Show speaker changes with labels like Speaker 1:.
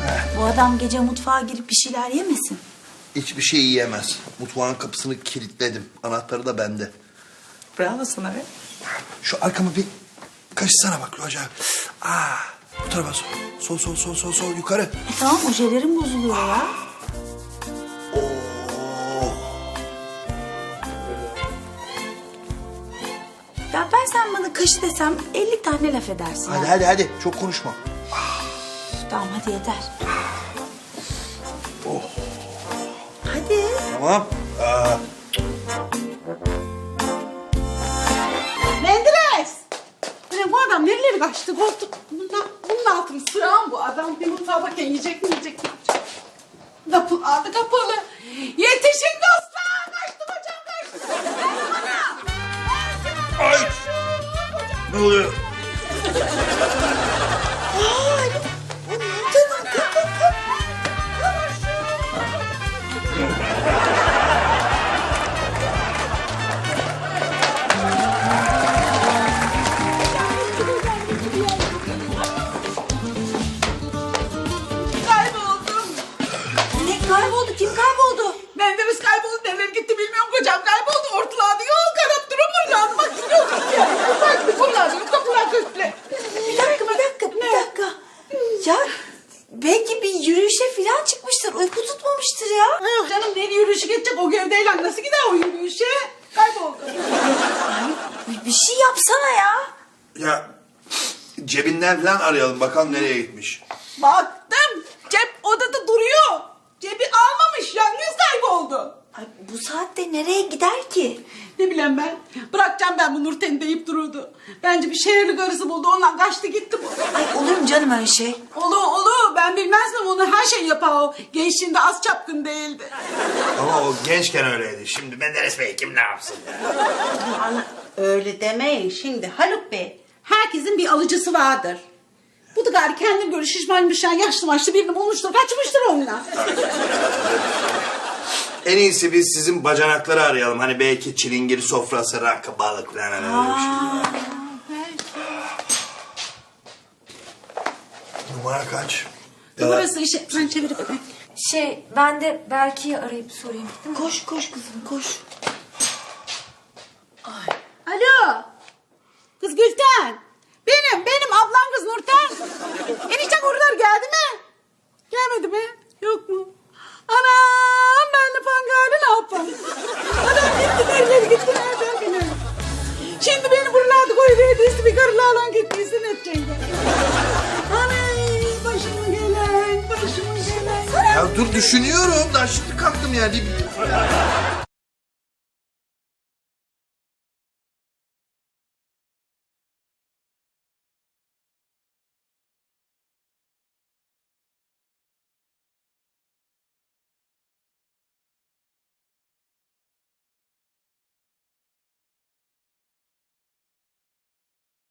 Speaker 1: Bu adam gece mutfağa girip bir şeyler yemesin.
Speaker 2: Hiçbir şey yiyemez. Mutfağın kapısını kilitledim. Anahtarı da bende.
Speaker 1: Bravo sana be.
Speaker 2: Şu arkamı bir kaşısana bak Roca. Bu tarafa sol yukarı.
Speaker 1: Tamam ojelerim bozuluyor ya. Ya ben sen bana kaşı desem 50 tane laf edersin.
Speaker 2: Hadi çok konuşma.
Speaker 1: Tamam hadi yeter. Hadi.
Speaker 2: Tamam.
Speaker 3: Menderes! Ulan bu adam nereleri kaçtı? Bunun altını sığan bu adam. Bir mutfağa bakayım yiyecek mi? Kapı kapalı. Yetişin dostlar! Kaçtım hocam kaçtım. Ver bana!
Speaker 2: Ay! Ne oluyor?
Speaker 3: Kayboldum.
Speaker 1: Ne kayboldu? Kim kayboldu?
Speaker 3: Menderes kayboldu. Neler gitti bilmiyorum kocam. Kayboldu. Ortalarda yol karap durum buradan. Bak gidiyoruz ya. Bak bunlar kapılar köşkle.
Speaker 1: Bir dakika. Ya belki bir yürüyüşe falan çıkmıştır. Uyku tutmamıştır ya.
Speaker 3: Yok canım ne yürüyüşü geçecek o gövdeyle nasıl gider o yürüyüşe? Kayboldu.
Speaker 1: Bir şey yapsana ya.
Speaker 2: Ya cebinden falan arayalım bakalım nereye gitmiş.
Speaker 3: Baktım. Cep odada duruyor. Cebi almamış. Yalnız kayboldu.
Speaker 1: Ay, bu saatte nereye gider ki?
Speaker 3: Ne bileyim ben. Bırakacağım ben bu Nurten'i deyip dururdu. Bence bir şehirli karısı buldu. Ondan kaçtı gitti bu.
Speaker 1: Ay olur mu canım öyle şey?
Speaker 3: Olu. Ben bilmez miyim onu her şey yapar o. Gençliğinde az çapkın değildi.
Speaker 2: Ama o gençken öyleydi. Şimdi Menderes Bey kim ne yapsın?
Speaker 3: Öyle demeyin şimdi Haluk Bey. Herkesin bir alıcısı vardır. Bu da gari kendine göre şişmanmış yaşlı maçlı birini bulmuştur. Kaçmıştır onunla.
Speaker 2: En iyisi biz sizin bacanakları arayalım. Hani belki çilingir sofrası, rakı, balık falan öyle bir şey. Numara kaç?
Speaker 3: Burası işe ben çevirip öpeyim.
Speaker 4: Ben de Berke'yi arayıp sorayım.
Speaker 1: Koş kızım koş.
Speaker 3: Alo. Kız Gülten. Benim ablam kız Nurten. Enişten oralar geldi mi? Gelmedi mi? Yok mu? Anam ben de pangali ne yapayım? Adam gitti nereye gitti nereden Şimdi beni buralarda koyuverdiyse bir karıla alan gittiyse ne edeceksin? Anay başıma gelen.
Speaker 2: Ya dur düşünüyorum. Daha şimdi kalktım yani.